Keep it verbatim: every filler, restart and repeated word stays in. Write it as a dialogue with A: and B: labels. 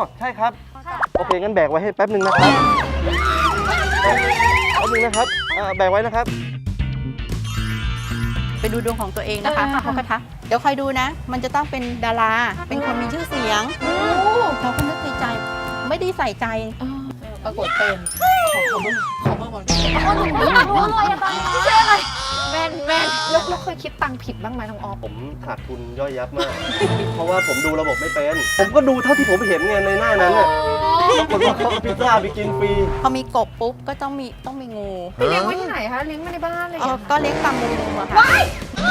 A: ใช่ครับโอเคงั้นแบกไว้ให้แป๊บนึงนะครับแป๊บนึงนะครับอ่าแบกไว้นะครับ
B: ไปดูดวงของตัวเองนะคะเขาก็ทักเดี๋ยวคอยดูนะ มันจะต้องเป็นดารา เป็นคนมีชื่อเสียงเราก็นึกในใจไม่ได้ใส่ใจปรากฏเป็น
C: ขอเบอร์ก่อนโอ้หนูไม่อยากรู้เลยอะตอนนี้ไม่ใช่อะไรแม่นแม่นแล้วเราเคยคิดตังค์ผิดบ้างไหมน้องออฟ
A: ผมขาดทุนย่อยยับมาก เพราะว่าผมดูระบบไม่เป็น ผมก็ดูเท่าที่ผมเห็นไงในหน้านั้นน่ะคนว่าเขาเอาพิซซ่าไปกินฟรี
B: พอมีกบปุ๊บก็ต้องมีต้องมีงู
C: ไปเลี้ยงไว้ที่ไหนคะเลี้ยงไว้ในบ้านเลย
B: เออก็เลี้ยงตามมุมอะค่ะ